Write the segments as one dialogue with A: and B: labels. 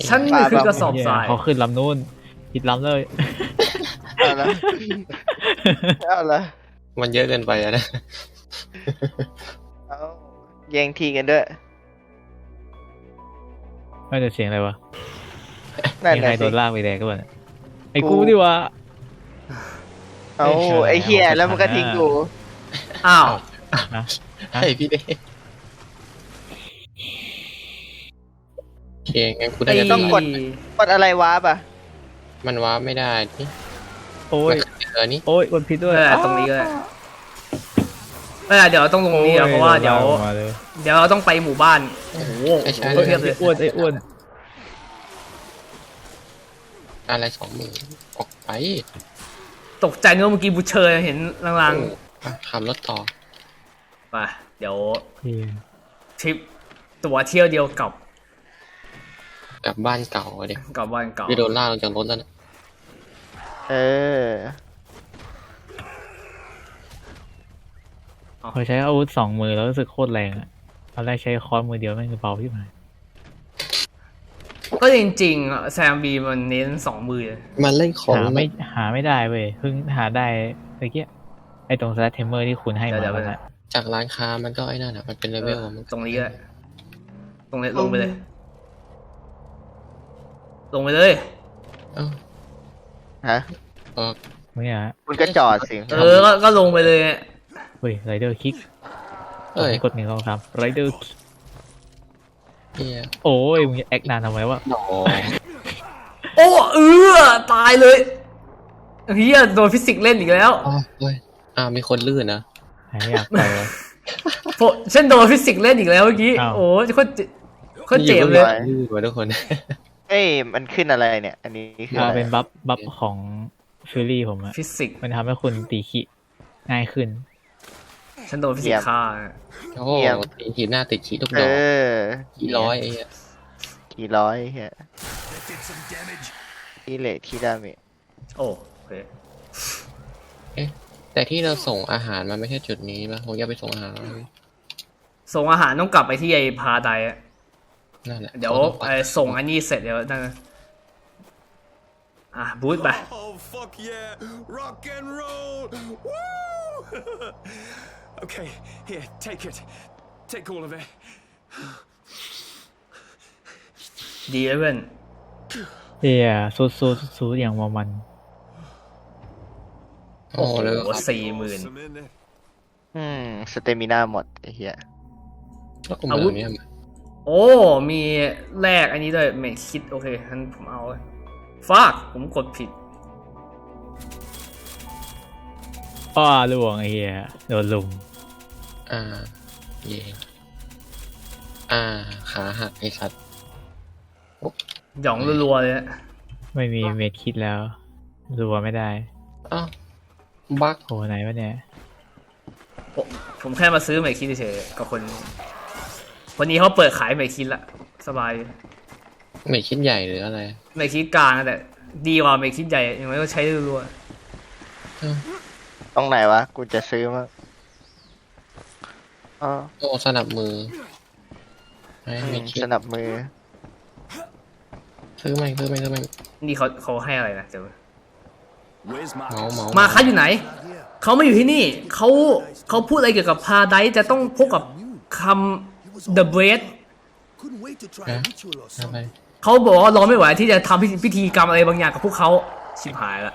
A: ฉันคือกระสอบทราย
B: เขาขึ้นลำนู้นผิดลำเลย
C: เอาละเอาละ
D: มันเยอะเกินไปอะนะ
C: เอาแย่งที่กันด้วย
B: ไม่จะเสียงอะไรวะ
C: นั่น
B: มี
C: แห
B: ใคร
C: ละ
B: โด
C: สิ
B: นลากไปแดงก็บ้างไอ้กูดิวะ
C: เอาไอ้เหี้ยแล้วมันก็ทิ้งกู
A: อ้าว
B: นะ
D: ให้พี่เด้โอเคงั้นกูได้
A: ไอ้
D: จะ
C: ต้องกดอะไรวาร์ปอ่ะ
D: มันว้าไม่ได้นี่
B: โอ้ย
D: นี่
B: โอ้ยกดผิดด้วย
A: ตรงนี้ก็ได้เดี๋ยวต้องลงนี้เพราะว่าเดี๋ยว
B: โอ้ลกมาล
A: เดี๋ยวเราต้องไปหมู่บ้านโอ้โห
D: ไม่ใช่
A: เทียบเลย
B: อ้วนไอ้อ้วน
D: อะไร20,000ออกไป
A: ตกใจนึกว่าเมื่อกี้บูเชอร์เห็นลาง
D: ขับรถต่อ
A: ๆไปเดี๋ยว
B: เหี้ย
A: ทริปตัวเที่ยวเดียวกับ
D: กลับบ้านเก่าเด็ก
A: กับบ้านเก่า
D: พี่โดนล่ากลงจากรถแล้วนะ
C: เออ
B: พอใช้อาวุธ2 มือแล้วรู้สึกโคตรแรงอะตอนแรกใช้ค้อนมือเดียวแม่งเบาที่ไหน
A: ก็จริงๆแซมบีมันเน้น2 มือ
D: มันเล่นของ
B: หาไม่ได้เว้ยเพิ่งหาได้เมื่อกี้ไอ้ตรงสแลตเทมเมอร์ที่คุณให้มาแล้วนะ
D: จากร้านค้ามันก็ไอ้นั่นอ่ะมันเป็นเลเวลมัน
A: ตรงนี้ก็ได้ตรงนี้ลงไปเลย ลงไปเลย
D: เอ้า
C: ฮะ
D: เออ
B: เนี่ยฮะ
C: คุณก็จอดสิ
A: ก็ลงไปเลย
B: เฮ้ยไรเดอร์คิก
D: เอ้ย
B: กด1 2 3ไรเดอร์
D: เฮีย
B: โอ้ยมึงจะแอคนานทำไมวะ
D: หนอ
A: โอ้ตายเลยเฮียโดนฟิสิกส์เล่นอีกแล้ว
D: อ๋อเฮ้ยมีคนลื่นนะ
B: หายอยากไปวะ
A: ฉันโดนฟิสิกส์เล่นอีกแล้วเมื่อกี้
B: อ้าว
A: โอ้โคตรเจ็บเลย
D: ลื่นกว่าทุกคน
C: เอ้ยมันขึ้นอะไรเนี่ย อันนี้คืออะไร
B: เป็นบัฟของฟิลลี่ผมอะ
A: ฟิสิกส์
B: มันทำให้คุณตีขีง่ายขึ้น
A: ฉันโดนฟิสิกส์ฆ่า
D: โอ้โหตีขีดหน้าติดขีดทุก
C: เอ
D: ดอก
C: อ
D: ขีดร้อยไอ้เหี้ย
C: กี่ร้อยเฮียที่เลทที่ดาเมจ
A: โอ้โอเค
D: แต่ที่เราส่งอาหารมันไม่ใช่จุดนี้ป่ะผมอยากไปส่งอาหาร
A: ส่งอาหารต้องกลับไปที่ไอ้พาไดอะ
D: นั่นแหละ
A: เดี๋ยวส่งอันนี้เสร็จเดี๋ยวนั่นบูทไป
E: Oh fuck yeah! Rock and roll! Woo! Okay, here, take it. Take all of it.
A: ดีเลยเพื่อน
B: เฮียสู้อย่างมัน
D: โอ้เลยครับ
A: 40,000
E: Some in there.
C: สเตมิน่าหมดไอ้เหี้ย
D: แล้วกูมาเนี่ย
A: โอ้มีแลกอันนี้ด้วยไม่คิดโอเคงั้นผมเอาฟากผมกดผิด
B: อ้อล่วงไอ้เฮียโดนลุม
D: เย่ขาหักไอ้สัตว์
A: หย่องรัวๆเลย
B: ไม่มีเมดคิดแล้วรัวไม่ได้
D: อ้าวบั๊ก
B: โหไหนวะเนี่ย
A: ผมแค่มาซื้อไมคิดเฉยๆกับคนนี้เขาเปิดขายไมคิดละสบาย
D: ไม่คิดใหญ่หรืออะไร
A: ไมคิดกลางแต่ดีกว่าไมคิดใหญ่ยังไงก็ใช้รัว
C: ตรงไหนวะ กูจะซื้อมั้งอ๋อ
D: โอ้สนับมือไม่คิด
C: สนับมือ
D: ซื้อไหม
A: ๆนี่เขาให้อะไรนะเดี๋ยว
E: Where's my
A: มาคัดอยู่ไหนเขาไม่อยู่ที่นี่เขาพูดอะไรเกี่ยวกับพาไดจะต้องพบกับคำ The Bread
F: Couldn't wait to try a ritual or
D: อะไร
F: something.
A: เขาบอกว่ารอไม่ไหวที่จะทำพิธีกรรมอะไรบางอย่างกับพวกเขาชิบหายละ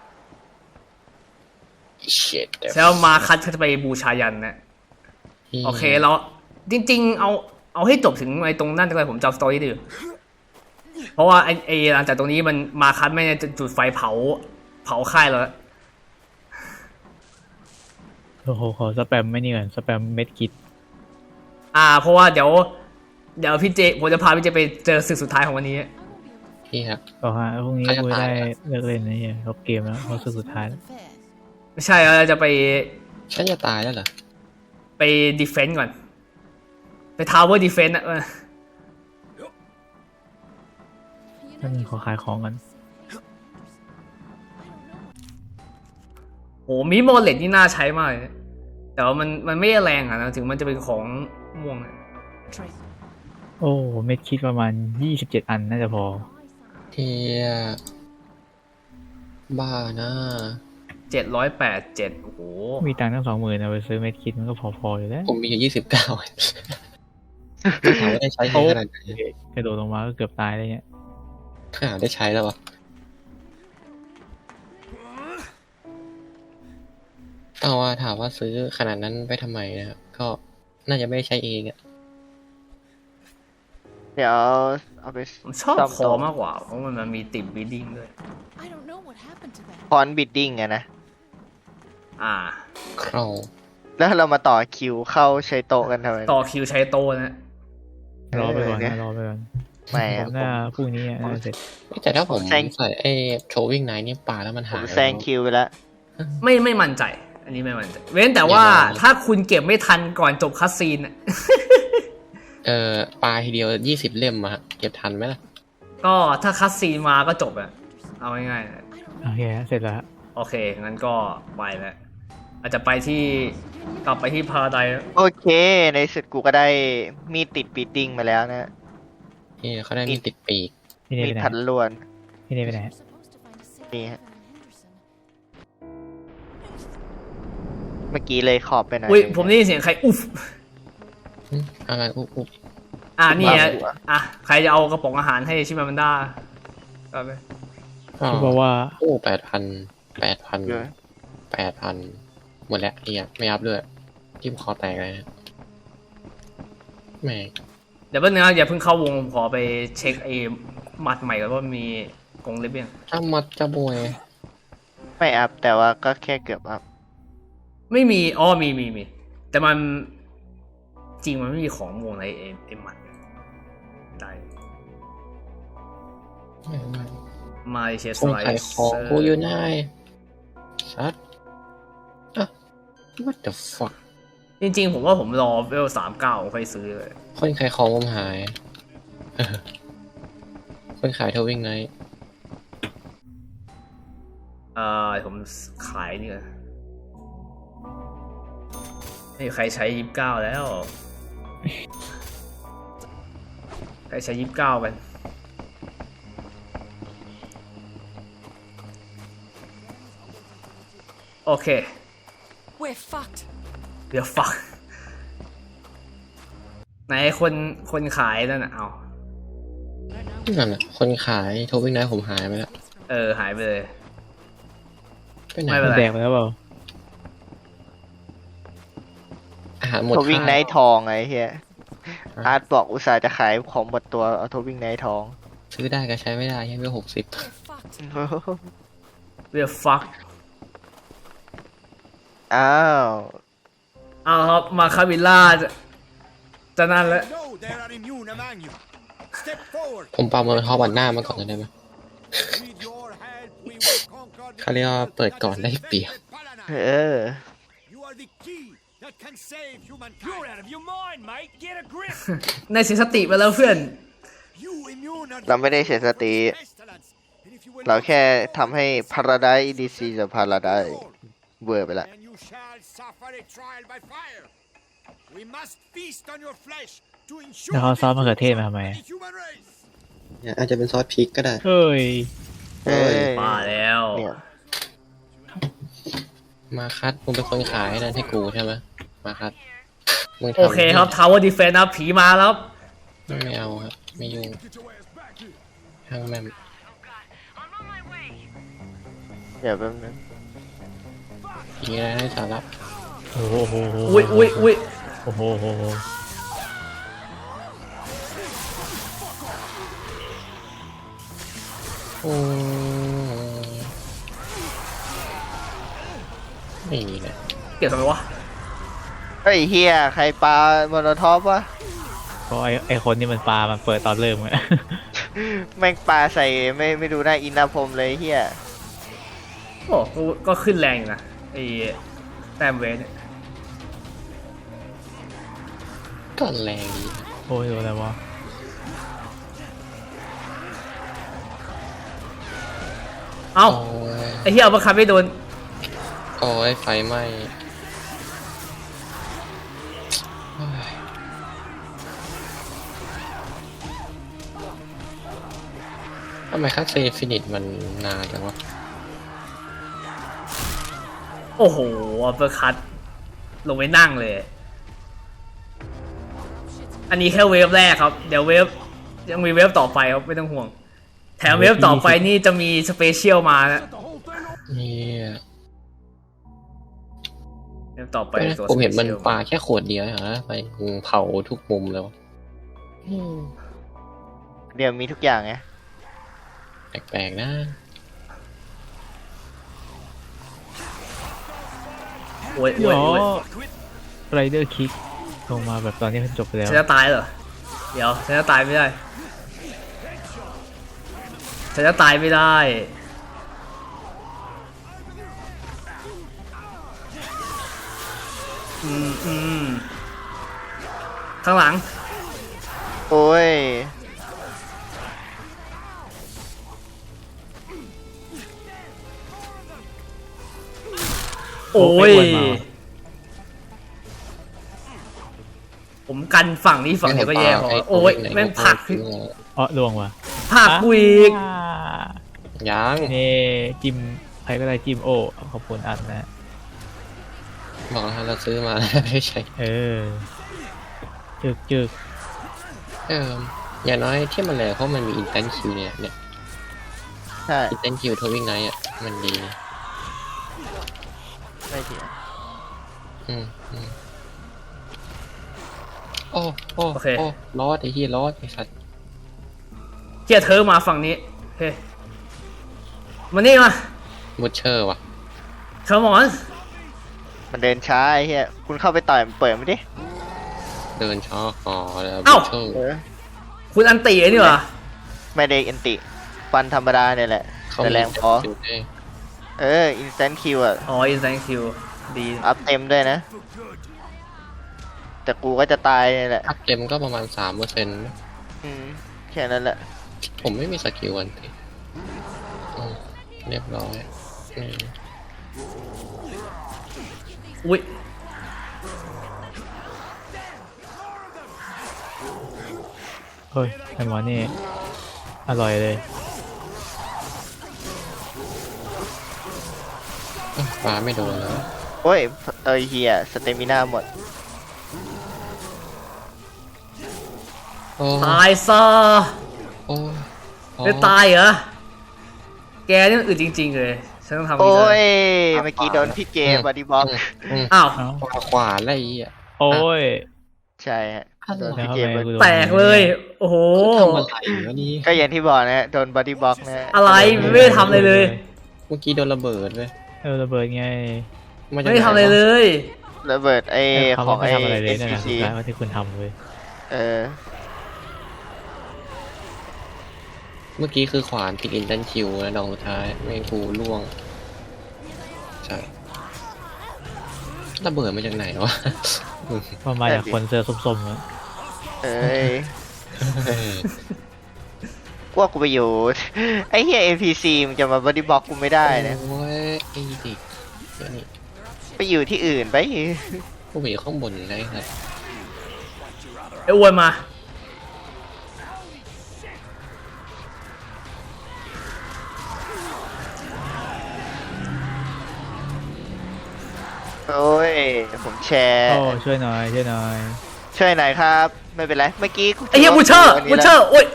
D: shit
A: แล้วมาคัดเขาจะไปบูชายันนะโอเคเราจริงๆเอาให้จบถึงไอ้ตรงนั่นเลยผมจำสตอรี่ดื้อเพราะว่าไอ้หลังจากตรงนี้มันมาคัดไม่ได้จุดไฟเผาค่ายแล้ว
B: โอ้โหขอสแปมไม่นี่ก่อนสแปมเม็ดคิด
A: เพราะว่าเดี๋ยวพี่เจผมจะพาพี่เจไปเจอศึกสุดท้ายของวันนี้
D: พี่ครับ
B: ก็ฮะพรุ่งนี้
D: เขาจะ
B: กู
D: ตาย
B: ได้
D: แล้ว
B: เลิกเล่นนะเนี่ยเขาเกมแล้วเขาสุดท้ายแล้ว
A: ไม่ใช่เราจะไป
D: ฉันจะตายแล้วเหรอ
A: ไปดีเฟนต์ก่อนไปทาวเวอร์ดีเฟนต์อะ
B: ถ้ามีขอขายของกัน
A: โหมีโมเลตนี่น่าใช้มากเลยแต่ว่ามันไม่แรงอะนะถึงมันจะเป็นของม่วงอะ
B: โอ้โอ้เม็ดคิดประมาณ27 อันน่าจะพอ
D: เฮียบ้านะ
A: 787โอ้โห
B: มีตังค์ตั้ง20,000เอาไปซื้อเม็ดคิดมันก็พอๆอยู่แล้ว
D: ผมมีอยู่29ถามว่าได้ใช้ขนาดไหน
B: กระโดดลงมาก็เกือบตายเลยเนี่ย
D: ถ้าหาได้ใช้แล้ววะเอาว่าถามว่าซื้อขนาดนั้นไปทำไมนะครับก็น่าจะไม่ได้ใช้เองอะ
C: เดี๋ยวเอาไป
A: ผมชอบ
C: ซ่อม
A: ค
C: โต๊ะ
A: อมากกว่า เพราะมันมีติดบีดิ้งด้วย
G: I don't know what happened to that.
C: คอนบิดดิ้งอะนะ
A: อ่า
D: คราว
C: แล้วเรามาต่อคิวเข้าใช้โต๊ะกันทำไม
A: ต่อคิวใช้โต้นะ
B: รอไปก่อน
C: เนี่ย
B: นะรอไปก่อน
C: ไม่
B: ผ
C: อะ
B: มน่าพรุ่งนี้น่าจะเสร็จ
D: แต่ถ้าผม
C: แซง
D: ใส่ไอ้โชวิ่งไนท์เนี่ยป่าแล้วมัน
C: ผ
D: หาม ย
C: แซงคิวไปแล้ว
A: ไม่มั่นใจ อันนี้ไม่มั่นใจ เว้นแต่ว่าถ้าคุณเก็บไม่ทันก่อนจบคัสซีนอะ
D: ปลาทีเดียว20 เล่มอะฮะเก็บทันไหมล่ะ
A: ก็ถ้าคัสซีนมาก็จบอะเอาง่ายๆนะ
B: โอเคเสร็จแล้ว
A: โอเค งั้นก็ไปแล้วอาจจะไปที่กลับไปที่พาราไดซ์
C: โอเค ในสุดกูก็ได้มีดติดบิดดิ้งมาแล้วนะ
D: นี่เขาได้มีติดปีก
B: พี่เนย
C: มี
B: ไป
C: ด
B: ไหน
C: พันล้วน
B: พี่เนยไปไหน
C: นี่ฮะ เมื่อกี้เลยขอบไปหน่อย
A: อุ้ยผมได้ยินเสียงใครอุ๊บ
D: อะไรอุ๊บ
A: นี่ฮะอ่ะใครจะเอากระป๋องอาหารให้ชิมามันด้าก็ไป
B: เขาบอกว่า
D: โอ้8,000 หมดแล้วไม่อัพด้วยที่คอแตกเลยนะแหม
A: เดี๋ยวแป๊บนึงนะอย่าเพิ่งเข้าวงผมขอไปเช็คไอ้หมัดใหม่ก่อนว่ามีกรงเล็บยัง
D: ถ้ามัดจะบวย
C: ไม่อัพแต่ว่าก็แค่เกือบอัพ
A: ไม่มีมีแต่มันจริงมันไม่มีของวงในไอ้หมัดได้มาเชส
D: คน
A: ไล
D: ขายของกูอยู่ไหนซัดwhat the fuck
A: จริงๆผมว่าผมรอเวล39ค่อยซื้อเลย
D: คนขายของผมหาย คนขายโทวิ่งไนท์
A: ผมขายนี่ก่อนไม่มีใครใช้29แล้ว ใครใช้29กันโอเค
G: We're fucked.
A: เดี๋ยวฟักไหนคนขายนั่นน่ะเอา
D: นั่นน่ะคนขายโทวิ่งไนท์ผมหายไปแล้ว
A: หายไปเลย
D: ไปไหน
A: ไม่เป็นไร
B: แดกไปแล้วเปล่า
D: อาหารหมด
C: โทวิ่งไน
D: ค่า
C: ท์ทองไอ้เฮียอาร์ตบอกอุตส่าห์จะขายของหมดตัวเอาโทวิ่งไนท์ทอง
D: ซื้อได้ก็ใช้ไม่ได้ยังไม่60
G: We're fucked.
A: เดี๋ยวฟัก
C: อ้าว
A: เอาครับมาคาบิล่าจะนั่นแล้ว
E: No, there are immune among you. Step forward.
D: ผมปาเมอร์ทอบันหน้ามาก่อนได้ไหม
E: With your help, we will conquer the
D: เขาเรียกว่าเปิดก่อนได้เปรียบ
C: เออ
E: You are the key that can save humankind. You're out of your mind, mate. Get a grip.
A: ในเสียสติไปแล้วเพื่อน
E: You immune are
C: เราไม่ได้เสียสติ
E: pestilence. And if you will
C: เรา
E: not
C: แค่ทำให้พาราไดซ์ดีซีกับพาราไดซ์เวอร์ไปละ
E: then you shall suffer a trial by fire. We must feast on your flesh to ensure
B: แล้วเขาซอสมะเขือเทศมาทำไม
E: the human race.
D: อาจจะเป็นซอสพริกก็ได้
B: เฮ้ย
C: เอ้ย
A: มาแล้ว
C: เนี่ย
D: มาคัดมึงเป็นคนขายนั่นให้กูใช่ไหมมาคัดมึงทำ
A: โอเคครับ Tower Defense นะผีมาแล้ว
D: ไม่เอาครับไม่ยุ่งช่างแม่ง
C: เดี๋ยวแป๊บนึง
D: ผีอะไรให้สาระ
B: โอ้โห
A: อุ้ย
B: โอ้โห
D: โอ้ไม่มีเลย
A: เกี่ยวทำไมวะ
C: เฮ้ยเฮียใครปาโมโนท็อปวะ
B: ก็ไอคนที่มันปลามันเปิดตอนเริ่มอะ
C: แม่งปาใส่ไม่ดูหน้าอินทพรหมเลยเฮีย
A: โอ้ก็ขึ้นแรงอยู่นะไอ้แต้มเวทเนี่ย
D: ก็แรงดี
B: โอ้ยโดนอะไรวะ
A: เอ้า
D: โอ้ย
A: ไอ้เหี้ยเอามาคับไม่โดน
D: โอ้ยไฟไหม้โอ้ยทำไมคัสเซฟินิตมันนานจังวะ
A: โอ้โหอัปเปอร์คัตลงไปนั่งเลย อันนี้แค่เวฟแรกครับ เดี๋ยวเวฟยังมีเวฟต่อไปครับไม่ต้องห่วง แถมเวฟต่อไปนี่จะมีสเปเชียลมานะ
D: เนี่ย
A: เวฟต่อไปตัว
D: ผมเห็นมัน
A: สปชียล
D: ปลาแค่ขวดเดียวเหรอไปเผาทุกมุมแล้ว
C: เดี๋ยวมีทุกอย่างไง
D: แปลกๆนะ
A: โอ้ย
B: หร
A: โอ้ย
B: อ
A: โอ้ย
B: ไรเดอร์คิกลงมาแบบตอนนี้มันจบไปแล้ว
A: ฉันจะตายเหรอ เดี๋ยวฉันจะตายไม่ได้ฉันจะตายไม่ได้ข้างหลัง
C: โอ้ย
A: โอ้ย
B: ไม่ควรมา
A: ผมกันฝั่งนี้ฝั่งเดียวก็แย่พอโอ้ยแม่งผลัก
B: อ๋อลวงว่ะ
A: ผลักกูอีก
B: อ่า
D: ยัง
B: นี่จิมใครก็ได้จิมโอขอบคุณอันนะ
D: บอกแล้วเราซื้อมา แล้วไม่ใช่
B: เออจึก
D: อย่างน้อยที่มันแหลกเพราะมันมีอินเทนคิวเนี่ย
C: ใช่
D: อินเทนคิวทวิ่งไนท์อ่ะมันดี
C: ไม่เถียง
D: อืมโอ้โอ้โอ้รอดไอ้เหี้ยรอดไอ้สัตว์
A: เกียร์เธอมาฝั่งนี้โอเคมานี่มา
D: มูเชอร์ว่ะ
A: เธอหมอน
C: มันเดินช้าไอ้เหี้ยคุณเข้าไปต่อยมันเปิดไม่ดิ
D: เดินช้อคอแล้ว
A: เอ้า
D: มูเชอร์
C: เออ
A: คุณอันตีไอ้นี่เหรอ
C: ไม่ได้อันติฟันธรรมดาเนี่ยแหละ
D: เขา
C: แต่
D: มี
C: แรงพอ
D: คิวด้วย
C: เออ อินสแตนคิวอ่ะ
A: อ๋อ อินไซน์คิวดี
C: อัพเต็มด้วยนะ แต่กูก็จะตายเนี่ยแหละ
D: อัพเต็มก็ประมาณ 3%
C: แค่นั้นแหละ
D: ผมไม่มีสกิลอันติเรียบร้อยอืม
A: อุ้ย
B: เฮ้ยไอหมอนี่อร่อยเลย
D: ปลาไม่โดนแล้ว
C: โอ้ยเฮียสเตมิน่าหมด
D: โอ้
A: ตายซะ
D: โอ้
A: ไม่ตายเหรอ แกนี่มันอึดจริงๆเลย ฉันต้องทำ
C: โอ้
A: นี้เลย
C: ย เมื่อกี้โดนพี่เจบอดี้บ็อก
A: อ้าว
B: เอ้า
D: ขวาอะไรอ่ะ
B: โอ้ย
C: ใช่ฮะโดน
B: แล้ว
C: พี่
B: ทำ
C: เจ
B: ไม
C: บอ
B: กู
C: ดี้
B: โดน
A: แตกเลย โอ้โห
D: ทำอะไรวะนี่
C: ก็อย่างที่บอกนะโดนบอดี้บ็อกนะ
A: อะไรไม่ได้ทำอะไรเลย
D: เมื่อกี้โดนระเบิดเลย
B: ระเบิดไง
D: าจาก
A: ไม่ได้ทำอะไรเลย
C: ระเบิด
B: เขา
C: ของ
B: ไม่ทำอะไรเลยนั่นแหละ
C: SPC
B: สุดท้ายว่าที่คุณทำเลย
C: เออ
D: เมื่อกี้คือขวานติดอินเทนคิวแล้วดองสุดท้ายไม่กูล่วงใช่ระเบิดมาจากไหนวะ
B: ว่ามาจากคนเสื้อส้มๆอะ
C: เอ้ยกว่ากูไปอยู่ ไอ้เฮีย NPC มันจะมาบอดี้บ็อกกูไม่ได้นะ
D: โอ้ยไอ้ดิเดี๋ยวนี่
C: ไปอยู่ที่อื่นไป
D: กูไปอยู่ข้างบนได้ครับ
A: ไอ้อ้วนมา
C: โอ้ย ผมแชร์
B: โอ้ช่วยหน่อยช่วยหน่อย
C: ช่วยหน่อยครับ ไม่เป็นไร เมื่อกี้กู
A: ไอ้เหี้ยบูเชอร์
C: วันนี้
A: บู
C: แล้ว
A: เชอร์ โอ้ย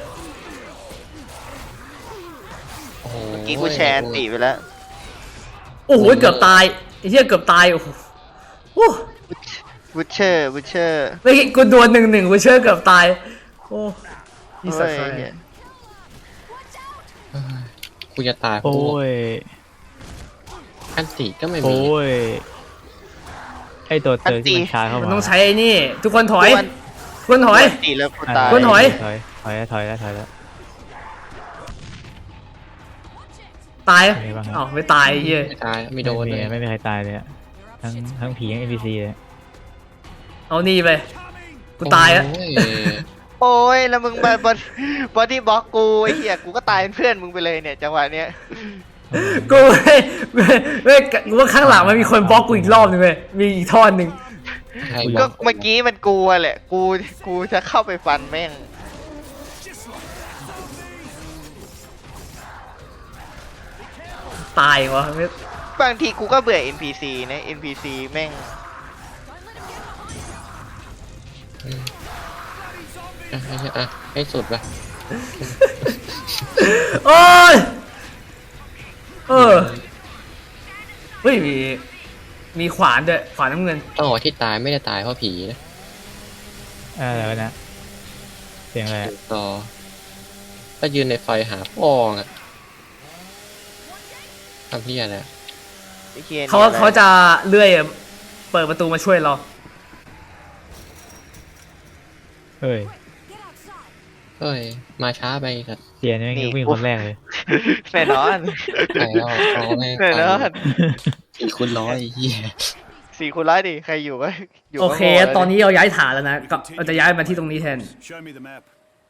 D: โอ้โห
C: เมื่อกี้กูแชร์อันติไปแล้ว
A: โอ้โห เกือบตาย ไอ้เหี้ยเกือบตาย โอ้โหโอ้
C: บูเชอร์บูเชอร์
A: เมื่อกี้กูโดน1-1บูเชอร์เกือบตาย โอ้ยี่สัตว์
C: โอ้ยเนี่ย
D: กูจะตายเพ
B: โอ้
D: ราะ
B: ย
D: อันติก็ไม่มี
B: โอ้ยไอตัวเตอร์ที่มันชาร์จเข้า
A: มัน
B: มา
A: ต้องใช้ไอ้นี่ ทุกคนถอย ทุกคนถอย
C: อันติแล้วกูตาย
A: คุณถอย
B: ถอยแล้ว
A: ตาย
B: เป็นไงบ้างครับ
A: อ้าวไม่ตายไอ้เหี้ย
D: ไม่ตายไม่โดนเลย
B: ไม่มีใครตายเลยอะทั้งผีทั้ง NPC เลย
A: เอานี่ไป กูตายแล้ว
D: โอ้ย
C: โอ้ย แล้วมึงมาบอดี้บ็อกกูไอ้เหี้ยกูก็ตายเป็นเพื่อนมึงไปเลยเนี่ยจังหวะเนี้ย
A: กูไม่กูว่าข้างหลังมันมีคนบล็อกกูอีกรอบนึงเลยมีอีกท่อนหนึ่ง
D: ใครบ
C: ก็
D: อก
C: เมื่อกี้มันกูอะแหละ กูจะเข้าไปฟันแม่ง
A: ตายวะไม่
C: บางทีกูก็เบื่อ NPC นะ NPC แม่ง
D: ให้สุดปะ
A: โอ้ยเฮ้ยมีขวานด้วยขวานน้ำเงิน
D: ต้องบอกว่าที่ตายไม่ได้ตายเพราะผีนะ
B: แล้วนะเสียงอะไรอะ
D: ต่อถ้ายืนในไฟหาฟองอะทำเพี้ยอะไรอะ
C: ไอ้เหี้ยนี่
A: เขาจะเลื่อยเปิดประตูมาช่วยเรา
B: เฮ้ย
D: เฮ้ยมาช้าไปสัตว์
B: เสียนี่แม่งวิ่งคนแรกเลย
C: แน่นอน
D: ไปแล้วเอาแม่ง
C: แน่นอน
D: 4x100ไอ้เหี้ย
C: 4 คูณ 100ดิใครอยู่ก็อยู่
A: โอเค
C: ก็โง่ลย
A: ตอนนี้เราย้ายฐานแล้วนะก็เราจะย้ายมาที่ตรงนี้แทน
F: Show me the map.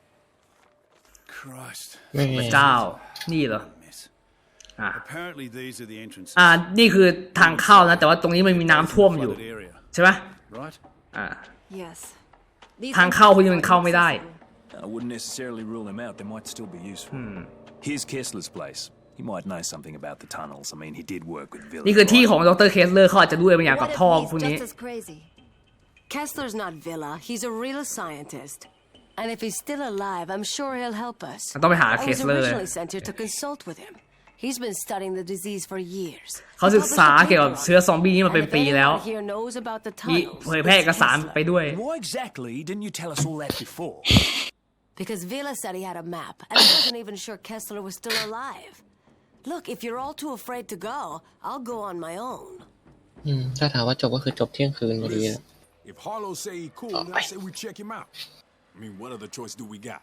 F: Christ.
D: ไม่
A: พระเจ้านี่เหรอ
F: Mess.
A: อ่ะ
F: Apparently these are the entrances.
A: นี่คือทางเข้านะแต่ว่าตรงนี้มันมีน้ำท่วมอยู่
F: Flooded area,
A: ใช่ไหม
F: right?
A: อ่า
G: Yes. These
A: ทางเข้าพวกนี้มันเข้าไม่ได้
H: I wouldn't necessarily rule him out. They might still be useful. Here's Kessler's place. He might know something about the tunnels. I mean, he did work with Villa.
A: นี่คือที่ของดรเคสเลอร์เขาอาจจะรู้อะไรบางอย่างกับ
I: What if
A: ท่อ
I: he's
A: พวกนี้
I: just as crazy? Kessler's not Villa. He's a real scientist. And if he's still alive, I'm sure he'll help us.
A: ต้องไปหา
I: I
A: เค
I: was
A: สเลอร์
I: originally sent here to consult with him. He's been studying the disease for years.
A: เขาศึกษาเกี่ยวกับเชื้อซอมบี้นี่มาเป็นปีแล้ว
I: And if anyone here knows about the
A: มี
I: tunnels,
A: เผยแพร่เอกสาร
I: it's
A: ไปด้วย
H: Why exactly didn't you tell us all that before?
I: Because Villa said he had a map, and I wasn't even sure Kessler was still alive. Look, if you're all too afraid to go, I'll go on my own.
D: ถ้าถามว่าจบก็คือจบเที่ยงคืนพอดีนะ
E: If Harlow say he cool, then I say we check him out. I mean, what other choice do we got?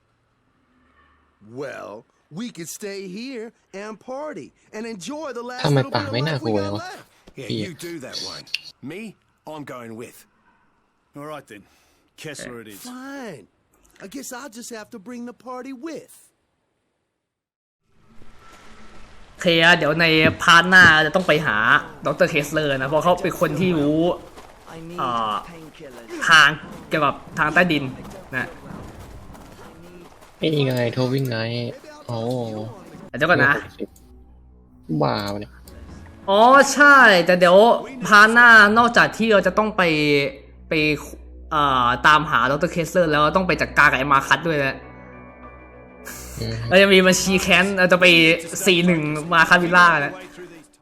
F: Well, we could stay here and party and enjoy the last
D: ทำไม
F: little
D: ปาก
F: bit of
D: ไม่น่า
F: life
D: กลั
F: we
D: ว
F: got
D: วะ
F: left.
E: Yeah,
D: Yeah.
E: you do that, Wayne. Me, I'm going with.
F: All right then. Kessler it is. Fine. I guess I'll just have to bring the party with.
A: โอเคอะเดี๋ยวในพาร์ทหน้าจะต้องไปหาดรเคสเลอร์นะเพราะเขาเป็นคนที่รู้ทางเกี่ยวกับทางใต้ดินนะ
D: นี่ไงโทวิ่งไนท์โอ้
A: เดี๋ยวก่อนนะ
D: บ้าวเนี่ย
A: อ๋อใช่แต่เดี๋ยวพาร์ทหน้านอกจากที่เราจะต้องไปตามหาดรเคสเลอร์แล้วต้องไปจัดการกับไอ้มาคัสด้วยนะเราจะมีบัญชีแค้นเราจะไป41มาคัสวิลล่านะ